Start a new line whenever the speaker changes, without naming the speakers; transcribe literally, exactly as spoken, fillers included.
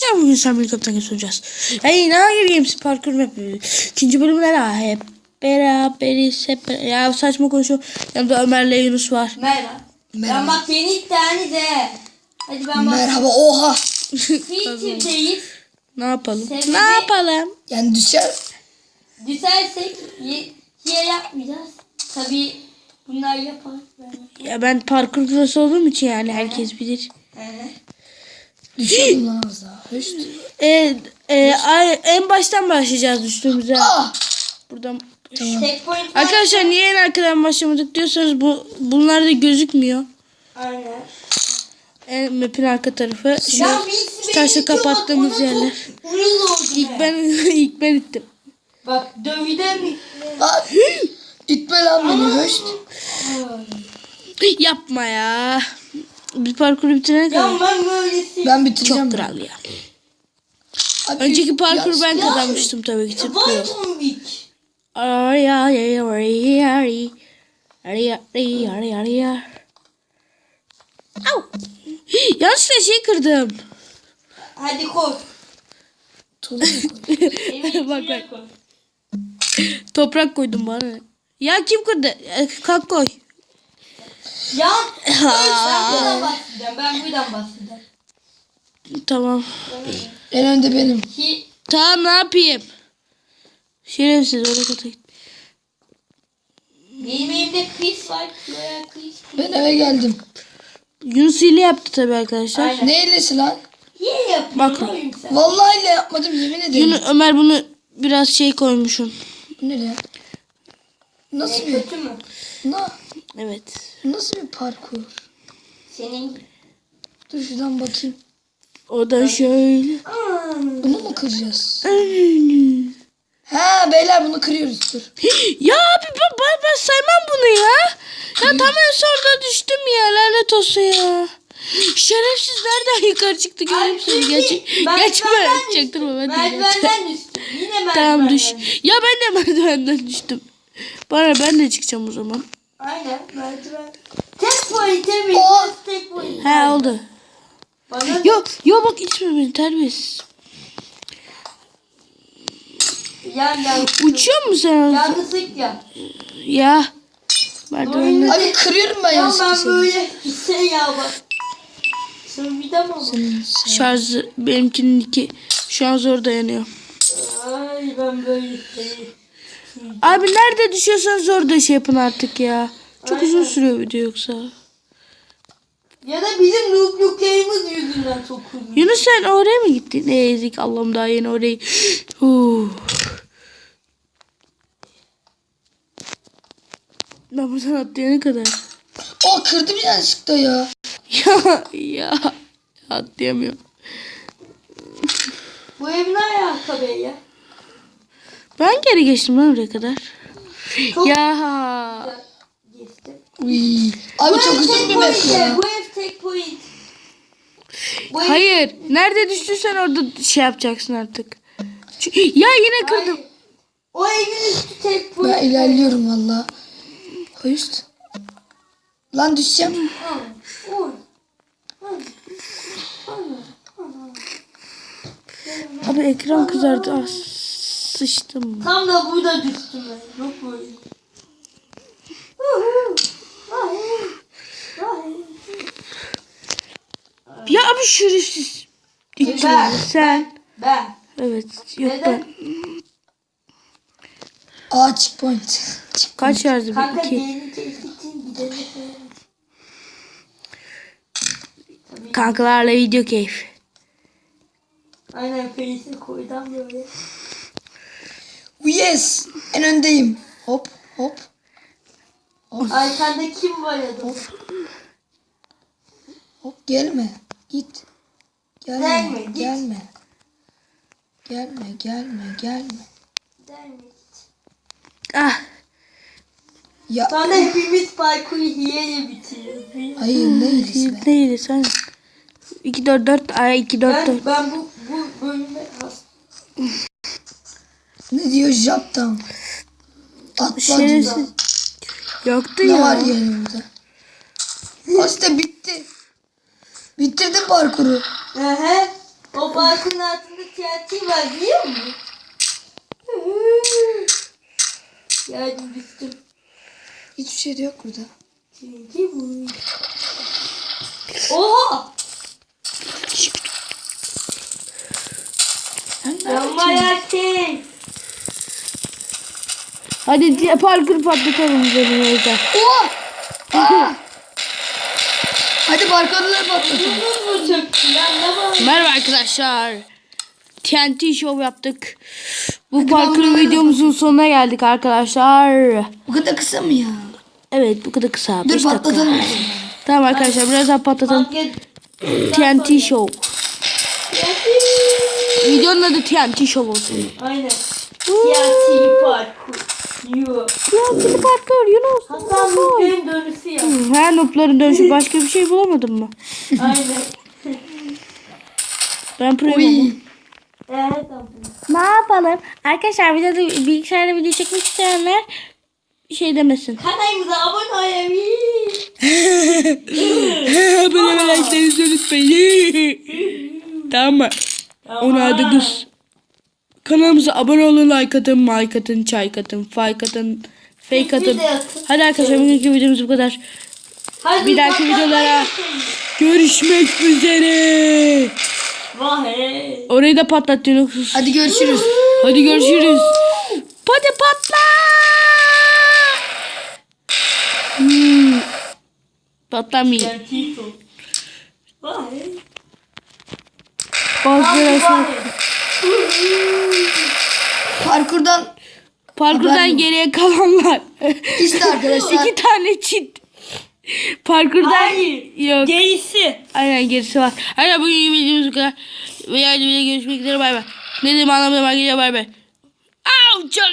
Ya bugün sen bir kaptan soracağız. Hey, ne hangi games parkur map? İkinci bölümler ha hep beraberiz hep beraber. Ya saçma konuşuyorum. Yanımda Ömer'le Yunus var.
Merhaba.
Merhaba.
Ben bak beni ittihani de. Hadi ben bak.
Merhaba, oha.
Fikirdeyiz.
Ne yapalım?
Sebebi-
Ne yapalım?
Yani düşer.
Düşersek ye, ye yapmayacağız. Tabii bunlar yapar.
Ya ben parkur prosu olduğum için yani herkes bilir.
Evet.
Düşerim lan az daha. Höşt.
E, e, ay- en baştan başlayacağız düştüğümüzde.
Ah.
Buradan.
Tek point var.
Arkadaşlar niye en arkadan başlamadık diyorsanız bu bunlar da gözükmüyor.
Aynen.
En map'in arka tarafı. Şu,
Ya birisi
şu
beni
taşı
itiyor,
kapattığımız
bak, ona
yerler.
çok uyuz oldu
İlk
be.
ben ilk ben ittim.
Bak dövüden mi?
Ah. İtme lan beni, höşt.
Yapma ya. Biz parkuru bitirene kadar.
Ya ben böylesi.
Ben bitireceğim.
Çok kral ya.
Abi,
Önceki parkur
ya-
ben
ya-
kazanmıştım tabii ki. Tıklıyor.
Vaytombik.
Ay ay ay ay ay. Ay ay ay ay ay. Au. Yanlışlıkla şey kırdım.
Hadi koy.
Tozu mu koy?
Evi
Bak,
içine
bak.
koy.
Toprak koydum bana. Ya kim kırdı? E, Kalk koy.
Ya ben buradan bahsedeceğim. Ben buradan bahsedeceğim.
Tamam.
En önde benim.
Ki
Tamam ne yapayım? Şerefsiz oraya kata git.
benim evimde Chris var. Şuraya Chris.
Ben eve geldim.
Yunus hile yaptı tabii arkadaşlar.
Aynen.
Ne iyilesi lan?
Niye yapıyorsun
Bak.
oğlum sen?
Vallahi ile yapmadım, yemin ederim.
Yunus, Ömer bunu biraz şey koymuşum.
Bu ne ya? Nasıl
Ne
bir,
kötü mü?
na,
Evet.
nasıl bir parkur?
Senin.
Dur şuradan bakayım.
O da şöyle.
Bunu mu kıracağız? Ha beyler, bunu kırıyoruz, dur.
Ya abi ben, ben, ben saymam bunu ya. Ya tam en sonunda düştüm ya, lanet olsun ya. Şerefsiz nereden yukarı çıktı göreyim seni. Geç, geçme. Çaktırma ben de.
Merdivenden düştüm. Yine merdivenden.
Tamam düş. Ya ben de merdivenden düştüm. Bana ben de çıkacağım o zaman.
Aynen merdiven. Tek point emin.
Oh.
Tek point.
He oldu.
Bana
Yo yo bak içme beni terbiyesiz.
yan yan.
Uçuyor musun sen?
Yalnızlık ya.
Ya. Merdivenden.
Abi kırıyorum ben
Ya
yanlışlıkla
ben
seni.
böyle şey ya bak. Sen bir de mi bak?
Şarjı benimkinin iki. Şu an zor dayanıyor.
Ay ben böyle şey.
Abi nerede düşüyorsanız orada şey yapın artık ya. Çok uzun sürüyor video yoksa.
Ya da bizim noobluklarımız yüzünden çok uzun.
Yunus sen oraya mı gittin? Ne ezik Allah'ım, daha yeni orayı. Huu. Ben buradan atlayana kadar.
O kırdım yanlışlıkla ya.
Ya ya atlayamıyorum.
Bu ev ne alaka be ya?
Ben geri geçtim lan oraya kadar.
Çok
Ya.
geçtim.
Uy. Abi çok
ev
uzun
tek
bir map
point
ya.
Bu ev tek point. Bu ev-
Hayır. Nerede düştüysen orada şey yapacaksın artık. Çünkü- Ya yine kırdım.
Hayır. O evin üstü tek point.
Ben ilerliyorum valla. Höşt. Lan düşeceğim.
Ha, oy. Ha, ha, ha.
Abi ekran kızardı. Ah, sıçtım.
Tam da burada düştüm ben. Yok böyle. Hayır. Hayır.
Ya abi şerefsiz. İlk
Ben,
sen.
Ben.
Evet. Yok
Neden?
ben.
Aa checkpoint. Check-
Kaç şarjı?
Kanka
Bir, iki.
yeni keyif için gidelim.
Kankalarla video keyif.
Aynen face'i koydum böyle.
Yes. En öndeyim. Hop hop.
Arkanda kim var ya da?
Hop gelme. Git. Gelme.
Gelme, git.
Gelme. Gelme gelme gelme.
Der mi?
Ah.
Ya
Sonra hepimiz parkuru hiyeyle bitiriyoruz.
hayır ne iyisi be.
Neydi sen? iki dört dört ay iki dört dört.
Ben, ben bu, bu bölüme hastayım.
Ne diyor Jap'tan? Atla diyor.
Şerefsiz. Yoktu
Ne
ya.
var yani orada? Aslında bitti. Bitirdim parkuru.
Ehe. O parkın altında T N T var biliyor musun? Yardım düştüm.
Hiçbir şey de yok burada.
T N T bu. Oha! Yanmaya şey.
Hadi diye parkur patlatalım üzerimize.
Oha! Aa! Hadi barkodaları patlatın.
Bunun mu çöktü lan? Ne var?
Merhaba arkadaşlar. T N T show yaptık. Bu
Hadi
parkur
ben bunları
videomuzun sonuna geldik arkadaşlar.
Bu kadar kısa mı ya?
Evet bu kadar kısa.
Dur
beş dakika.
patlatalım.
Tamam arkadaşlar biraz daha patlatalım.
Market.
T N T show.
T N T.
Videonun adı T N T show olsun.
Aynen. T N T parkur. Yo.
T N T parkur Yunus.
Hasan Mutlu'nun dönüşü ya.
Her nopların dönüşü başka bir şey bulamadın mı?
Aynen.
Ben proyum ama.
Uy.
Evet tamam.
Ne yapalım? Arkadaşlar videoda bilgisayarda video çekmek isteyenler şey demesin.
Kanalımıza abone olabilir.
Abone olmayı unutmayın. Tamam mı? Onu adı kız. Kanalımıza abone olun, like atın, like atın, çay atın, fake atın, fake atın. Hadi arkadaşlar bugünkü videomuz bu kadar.
Hadi
Bir dahaki
bakalım.
videolara görüşmek üzere.
Vay hey.
Orayı da patlat Yunus.
Hadi görüşürüz.
Hadi görüşürüz. Hadi patla. Hmm. Patlamayın.
T N T top. Vay hey.
Bazıları
Vay.
Parkurdan
parkurdan
Haber yok.
geriye kalanlar.
işte arkadaşlar.
İki tane çit. Parkurdan
Hayır.
yok.
Gerisi.
Aynen gerisi var. Aynen bugün videomuz bu kadar. Ve yani videoda görüşmek üzere bay bay. Ne dedim anlamadım arkadaşlar bay bay. Au,